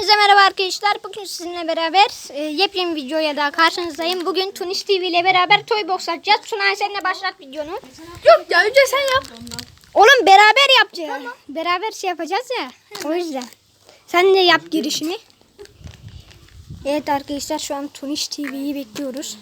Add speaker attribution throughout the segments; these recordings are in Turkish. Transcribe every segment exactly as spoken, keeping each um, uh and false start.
Speaker 1: Hepinize merhaba arkadaşlar. Bugün sizinle beraber e, yepyeni videoya daha karşınızdayım. Bugün Tunis T V ile beraber Toy Box açacağız. Tuna seninle başlat videonu.
Speaker 2: Yok ya, önce sen yap.
Speaker 1: Oğlum beraber yapacağız. Tamam. Beraber şey yapacağız ya. O yüzden. Sen de yap girişini. Evet arkadaşlar, şu an Tunis T V'yi bekliyoruz.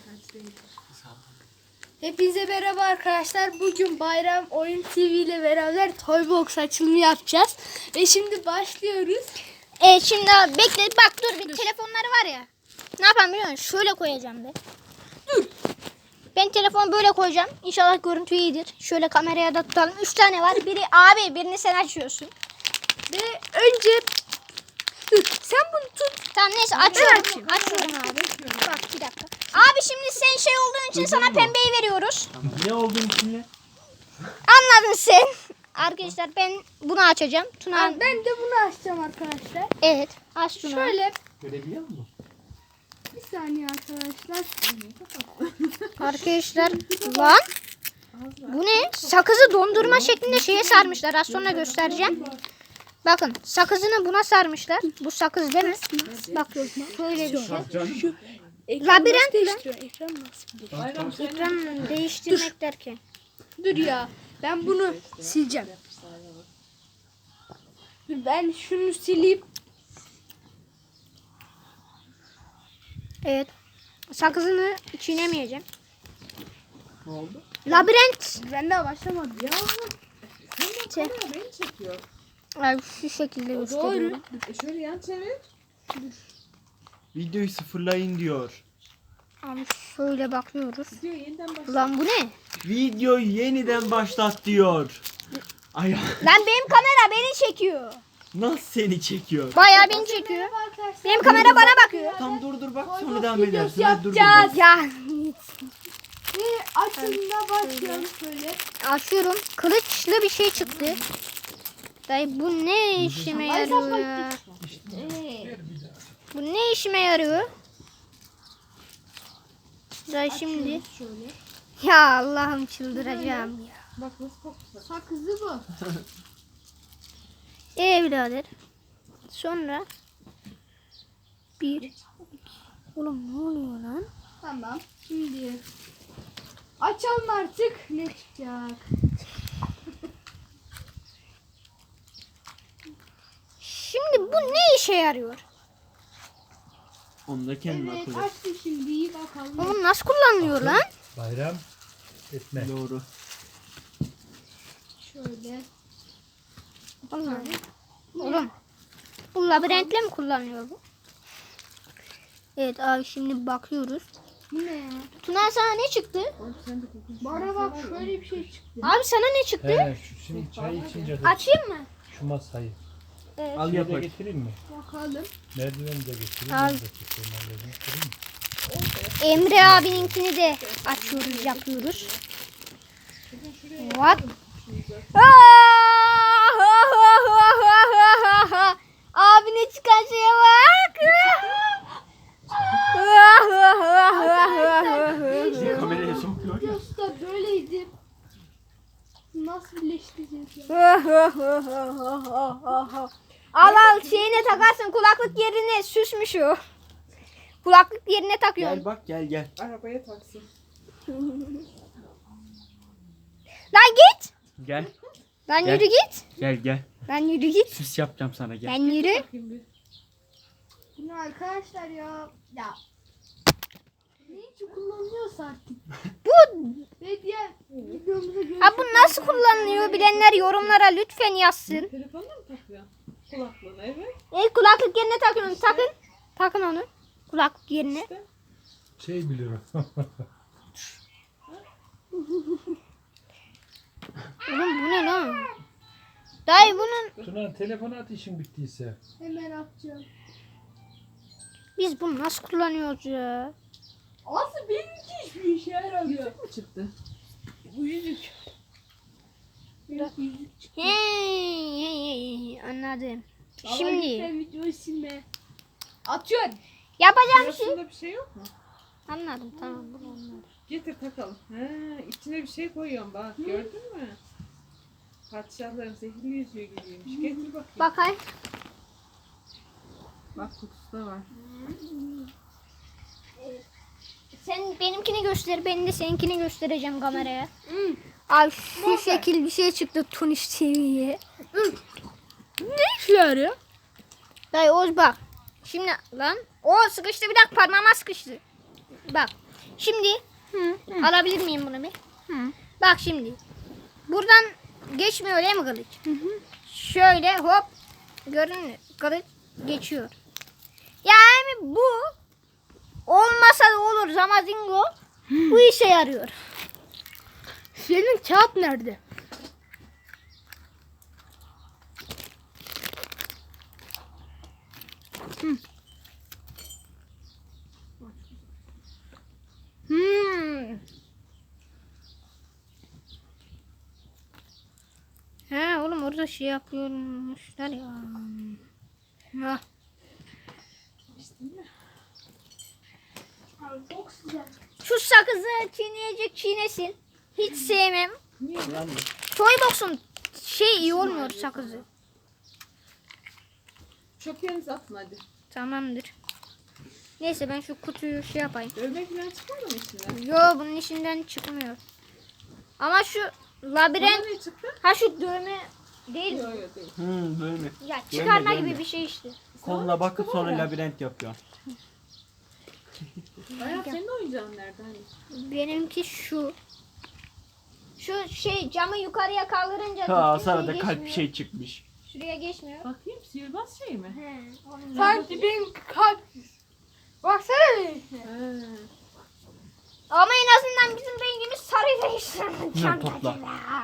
Speaker 2: Hepinize merhaba arkadaşlar. Bugün Bayram Oyun T V ile beraber Toy Box açılımı yapacağız. Ve şimdi başlıyoruz.
Speaker 1: Evet şimdi abi bekle, bak dur bir telefonları var ya. Ne yapalım biliyor musun? Şöyle koyacağım be.
Speaker 2: Dur.
Speaker 1: Ben telefonu böyle koyacağım. İnşallah görüntü iyidir. Şöyle kameraya da tutalım. Üç tane var. Biri abi, birini sen açıyorsun.
Speaker 2: Ve önce dur, sen bunu tut.
Speaker 1: Tamam neyse açıyorum. Açıyorum abi. Bak bir dakika. Abi şimdi sen şey olduğun için sana pembeyi veriyoruz.
Speaker 3: Ne olduğun için ne?
Speaker 1: Anladın sen. Arkadaşlar ben bunu açacağım. Tuna.
Speaker 2: Ben, ben de bunu açacağım arkadaşlar.
Speaker 1: Evet. Aç Tuna.
Speaker 2: Şöyle
Speaker 3: Görebiliyor musun?
Speaker 2: bir saniye arkadaşlar.
Speaker 1: Arkadaşlar lan. Bu ne? Sakızı dondurma şeklinde şeye sarmışlar. Az sonra göstereceğim. Bakın sakızını buna sarmışlar. Bu sakız değil mi? Bak şöyle bir şey. Labirent lan.
Speaker 2: Ekran nasıl?
Speaker 1: Ekran değiştirmek derken.
Speaker 2: Dur ya. Ben bunu sileceğim. Dur, ben şunu sileyim.
Speaker 1: Evet. Sakızını çiğnemeyeceğim.
Speaker 3: Ne oldu?
Speaker 1: Labirent.
Speaker 2: Ben daha başlamadım. Ya.
Speaker 1: Şey.
Speaker 4: Beni çekiyor.
Speaker 1: Ay, şu şekilde gösteriyorum.
Speaker 4: E şöyle yan çevir.
Speaker 3: Videoyu sıfırlayın diyor.
Speaker 1: Abi şöyle bakıyoruz.
Speaker 4: Diyor yeniden başla.
Speaker 1: Ulan bu ne?
Speaker 3: Videoyu yeniden başlat diyor. Ay
Speaker 1: Lan benim kamera beni çekiyor.
Speaker 3: nasıl seni çekiyor?
Speaker 1: Bayağı beni çekiyor.
Speaker 2: Merhaba arkadaşlar.
Speaker 1: Benim kamera bana bakıyor.
Speaker 3: Tam dur dur bak sonra
Speaker 2: Toy
Speaker 3: devam
Speaker 2: Box
Speaker 3: edersin.
Speaker 2: videosu
Speaker 3: Hadi dur dur.
Speaker 2: yapacağız.
Speaker 3: bak.
Speaker 1: Ya
Speaker 2: Ve açılımına başlayalım şöyle.
Speaker 1: açıyorum. Kılıçlı bir şey çıktı. Dayı bu ne işime yarıyor ya?
Speaker 2: Ee,
Speaker 1: Bu ne işime yarıyor? Dayı şimdi.
Speaker 2: şöyle.
Speaker 1: Ya Allah'ım çıldıracağım ya.
Speaker 4: Bak nasıl koktu.
Speaker 2: Sakızı bu.
Speaker 1: Ee birader. Sonra bir iki. Oğlum ne oluyor lan?
Speaker 2: Tamam. Şimdi açalım artık. Ne çıkacak?
Speaker 1: Şimdi bu ne işe yarıyor?
Speaker 3: Onu da kendin
Speaker 2: Evet,
Speaker 3: akıl et.
Speaker 2: açtım şimdi. İyi bakalım.
Speaker 1: Oğlum nasıl kullanılıyor lan?
Speaker 5: Bayram etme.
Speaker 3: Doğru.
Speaker 2: Şöyle.
Speaker 1: Oğlum. Oğlum. Bu labirentle mi kullanılıyor bu? Evet abi şimdi bakıyoruz.
Speaker 2: Bu ne ya?
Speaker 1: Tuna sana ne çıktı?
Speaker 2: Bana bak şöyle bir şey çıktı.
Speaker 1: Abi sana ne çıktı?
Speaker 5: He, şu şimdi çay içince de
Speaker 1: Açayım mı?
Speaker 5: şu masayı.
Speaker 1: Evet.
Speaker 3: Al
Speaker 5: Şeyi
Speaker 3: yap
Speaker 5: de
Speaker 3: hadi.
Speaker 5: getireyim mi?
Speaker 2: Bakalım.
Speaker 5: Merdiveni de getireyim.
Speaker 1: Al.
Speaker 5: Ben de getireyim, halledeyim, getireyim mi?
Speaker 1: Emre abininkini de açıyoruz, yapıyoruz. What? Abi ne çıkan şeye bak.
Speaker 3: Bizi kameraya sokuyor ya.
Speaker 2: Videosu da böyleydi. Nasıl birleştireceğiz ya?
Speaker 1: Al al şeyine takarsın, kulaklık yerine süsmüş o. Kulaklık yerine takıyorsun.
Speaker 3: Gel bak gel gel.
Speaker 4: Arabaya taksın.
Speaker 1: Lan git.
Speaker 3: Gel.
Speaker 1: Lan
Speaker 3: Gel.
Speaker 1: yürü git.
Speaker 3: Gel gel.
Speaker 1: Lan yürü git.
Speaker 3: Süs yapacağım sana gel.
Speaker 1: Lan yürü.
Speaker 4: Bakayım bir.
Speaker 2: Bu ne arkadaşlar ya? Ya. Ne için kullanılıyorsa artık.
Speaker 1: Bu
Speaker 2: Ve diğer videomuza görüşürüz.
Speaker 1: ha, bu nasıl kullanılıyor bilenler yorumlara lütfen yazsın.
Speaker 4: Telefonla mı takıyor? Kulaklığına evet.
Speaker 1: E kulaklık yerine takıyorsun. Takın. Takın onu. Kulaklık yerine.
Speaker 5: Şey biliyorum.
Speaker 1: Oğlum bu ne lan? Dayı bunun
Speaker 5: Tuna telefonu at işin bittiyse.
Speaker 2: Hemen atacağım.
Speaker 1: biz bunu nasıl kullanıyoruz ya?
Speaker 2: Aslında benimki hiçbir işe yaramıyor.
Speaker 4: Yüzük mü çıktı?
Speaker 2: Bu yüzük. Yok yüzük.
Speaker 1: Hey, hey, hey, anladım.
Speaker 2: Ama
Speaker 1: Şimdi
Speaker 2: lütfen videoyu silme. Atıyorsun.
Speaker 1: yapacağım bir şey.
Speaker 4: Burasında bir şey yok mu?
Speaker 1: Anladım, tamam, bunu anladım.
Speaker 4: Getir takalım. Ha, içine bir şey koyuyorum bak. Gördün mü? Padişahların zehirli yüzüğü gibiymiş. Getir bakayım.
Speaker 1: Bakayım.
Speaker 4: Bak kutusu da var.
Speaker 1: Sen benimkini göster, ben de seninkini göstereceğim kameraya. Al şu şekil bir şey çıktı Tuniş T V'ye.
Speaker 2: Ne işe yarıyor?
Speaker 1: Dayı Oğuz bak. Şimdi lan o sıkıştı, bir dakika parmağıma sıkıştı. Bak şimdi alabilir miyim bunu bir? Bak şimdi. Buradan geçmiyor değil mi kılıç? Şöyle hop görün kılıç geçiyor. Yani bu olmasa da olur Zamazingo. Bu işe yarıyor.
Speaker 2: Senin kağıt nerede?
Speaker 1: Hmm. He oğlum orada şey yapıyormuşlar ya. Ha. Şu sakızı çiğneyecek çiğnesin. Hiç sevmem. Toybox'un şey iyi olmuyor sakızı.
Speaker 4: Çöplerinizi atın hadi.
Speaker 1: Tamamdır. Neyse ben şu kutuyu şey yapayım.
Speaker 4: Dövme falan çıkmadı mı içinden?
Speaker 1: Yo bunun içinden çıkmıyor. Ama şu labirent,
Speaker 4: Bana ne çıktı?
Speaker 1: ha şu dövme değil.
Speaker 4: Yok yok değil.
Speaker 3: Hı böyle.
Speaker 1: Ya çıkarma
Speaker 3: Dövme,
Speaker 1: gibi
Speaker 3: dövme.
Speaker 1: bir şey işte.
Speaker 3: Koluna bakıp sonra
Speaker 4: var.
Speaker 3: labirent yapıyor.
Speaker 4: Bayağı senin oyuncağın nerede hani?
Speaker 1: Benimki şu. Şu şey camı yukarıya kaldırınca
Speaker 3: Ha
Speaker 1: şuraya
Speaker 3: sana da kalp
Speaker 1: geçmiyor.
Speaker 3: bir şey çıkmış.
Speaker 1: Şuraya geçmiyor.
Speaker 4: Bakayım sihirbaz şey mi?
Speaker 1: He, onun
Speaker 2: Sanki benim kalp. Baksana bir.
Speaker 4: He.
Speaker 1: Ama en azından bizim rengimiz sarı değişti.
Speaker 3: Ne topla.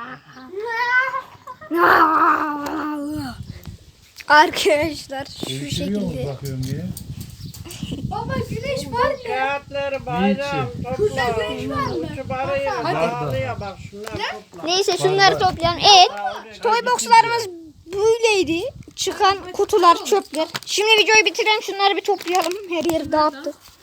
Speaker 1: Arkadaşlar şu
Speaker 5: Değiştiriyor mu
Speaker 1: şekilde.
Speaker 5: bakıyorum diye?
Speaker 2: Baba güneş var mı?
Speaker 6: Kağıtları bayram topla. Şu barayı bağlıya bak şunlar topla.
Speaker 1: Neyse şunları toplayalım. Evet. Toybox'larımız böyleydi. Çıkan kutular, çöpler. Şimdi videoyu bitirelim. Şunları bir toplayalım. Her yeri dağıttık.